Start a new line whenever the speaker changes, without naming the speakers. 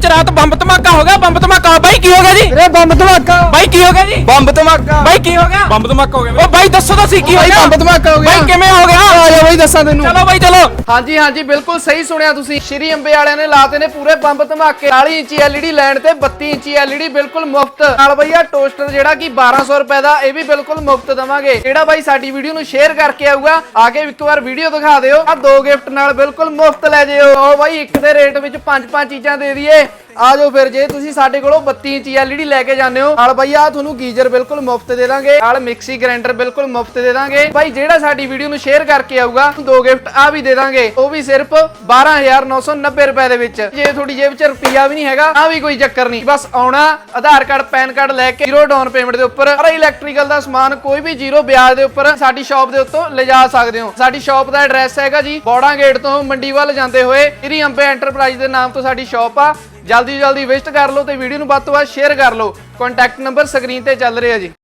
ਰਾਤ ਬੰਬ ਧਮਾਕਾ ਹੋ ਗਿਆ। ਬੰਬ ਧਮਾਕਾ ਬਾਈ ਕੀ ਹੋ ਗਿਆ ਜੀ?
ਵੀਰੇ ਬੰਬ ਧਮਾਕਾ
ਬਾਈ ਕੀ ਹੋ ਗਿਆ ਜੀ?
ਬੰਬ ਧਮਾਕਾ
ਬਾਈ ਕੀ ਹੋ ਗਿਆ? ਬੰਬ ਧਮਾਕਾ ਹੋ ਗਿਆ। ਓ ਬਾਈ ਦੱਸੋ ਤਾਂ ਸੀ ਕੀ ਹੋਇਆ?
ਬੰਬ ਧਮਾਕਾ ਹੋ ਗਿਆ
ਬਾਈ ਕਿਵੇਂ ਹੋ ਗਿਆ?
ਆ ਜਾ ਬਾਈ ਦੱਸਾਂ ਤੈਨੂੰ।
ਚਲੋ ਬਾਈ ਚਲੋ।
ਹਾਂਜੀ ਹਾਂਜੀ ਬਿਲਕੁਲ ਸਹੀ ਸੁਣਿਆ ਤੁਸੀਂ। ਸ਼੍ਰੀ ਅੰਬੇ ਵਾਲਿਆਂ ਨੇ ਲਾਤੇ ਨੇ ਪੂਰੇ ਬੰਬ ਧਮਾਕੇ। 40 ਇੰਚੀ LED ਲੈਣ ਤੇ 32 ਇੰਚੀ LED ਬਿਲਕੁਲ ਮੁਫਤ ਨਾਲ। ਬਈ ਆ ਟੋਸਟਰ ਜਿਹੜਾ ਕਿ 1200 ਰੁਪਏ ਦਾ, ਇਹ ਵੀ ਬਿਲਕੁਲ ਮੁਫਤ ਦਵਾਂਗੇ। ਜਿਹੜਾ ਬਾਈ ਸਾਡੀ ਵੀਡੀਓ ਨੂੰ ਸ਼ੇਅਰ ਕਰਕੇ ਆਊਗਾ, ਆ ਕੇ ਇੱਕ ਵਾਰ ਵੀਡੀਓ ਦਿਖਾ ਦਿਓ, ਆ 2 ਗਿਫਟ ਨਾਲ ਬਿਲਕੁਲ ਮੁਫਤ ਲੈ ਜਿਓ। ਆਓ ਬਾਈ ਇੱਕ ਦੇ ਰੇਟ ਵਿੱਚ 5-5 ਚੀਜ਼ਾਂ ਦੇ ਦਈਏ। ਆ ਜਾਓ ਫਿਰ। ਜੇ ਤੁਸੀਂ ਸਾਡੇ ਕੋਲੋਂ 32 ਇੰਚੀ LED ਲੈ ਕੇ ਜਾਂਦੇ ਹੋ ਨਾਲ ਬਈ ਆ ਤੁਹਾਨੂੰ ਗੀਜ਼ਰ ਬਿਲਕੁਲ ਮੁਫਤ ਦੇ ਦਾਂਗੇ, ਨਾਲ ਮਿਕਸੀ ਗ੍ਰਾਈਂਡਰ ਬਿਲਕੁਲ ਮੁਫਤ ਦੇ ਦਾਂਗੇ। ਬਾਈ ਜਿਹੜਾ ਸਾਡੀ ਵੀਡੀਓ ਨੂੰ ਸ਼ੇਅਰ ਕਰਕੇ ਆਊਗਾ 2 ਗਿਫਟ ਆ ਵੀ ਦੇ ਦਾਂਗੇ, ਉਹ ਵੀ ਸਿਰਫ 12990 ਰੁਪਏ ਦੇ ਵਿੱਚ। ਜੇ ਤੁਹਾਡੀ ਜੇਬ 'ਚ ਰੁਪਈਆ ਵੀ ਨਹੀਂ ਹੈਗਾ ਤਾਂ ਵੀ ਕੋਈ ਚੱਕਰ ਨਹੀਂ, ਬਸ ਆਉਣਾ, ਆਧਾਰ ਕਾਰਡ ਪੈਨ ਕਾਰਡ ਲੈ ਕੇ 0 ਡਾਊਨ ਪੇਮੈਂਟ ਦੇ ਉੱਪਰ ਸਾਰਾ ਇਲੈਕਟ੍ਰੀਕਲ ਦਾ ਸਮਾਨ ਕੋਈ ਵੀ 0 ਵਿਆਜ ਦੇ ਉੱਪਰ ਸਾਡੀ ਸ਼ਾਪ ਦੇ ਉੱਤੋਂ ਲਿਜਾ ਸਕਦੇ ਹੋ। ਸਾਡੀ ਸ਼ਾਪ ਦਾ ਐਡਰੈਸ ਹੈਗਾ ਜੀ ਬੋੜਾ ਗੇਟ ਤੋਂ ਮੰਡੀ ਵੱਲ ਜਾਂਦੇ ਹੋਏ ਸ਼੍ਰੀ ਅੰਬੇ ਐਂਟਰਪ੍ਰਾਈਜ਼ ਦੇ ਨਾਮ ਤੋਂ ਸਾਡੀ ਸ਼ਾਪ ਆ। ਜਲਦੀ ਵਿਜ਼ਿਟ ਕਰ ਲਓ ਤੇ ਵੀਡੀਓ ਨੂੰ ਵੱਧ ਤੋਂ ਵੱਧ ਸ਼ੇਅਰ ਕਰ ਲਓ। ਕੰਟੈਕਟ ਨੰਬਰ ਸਕਰੀਨ ਤੇ ਚੱਲ ਰਿਹਾ ਜੀ।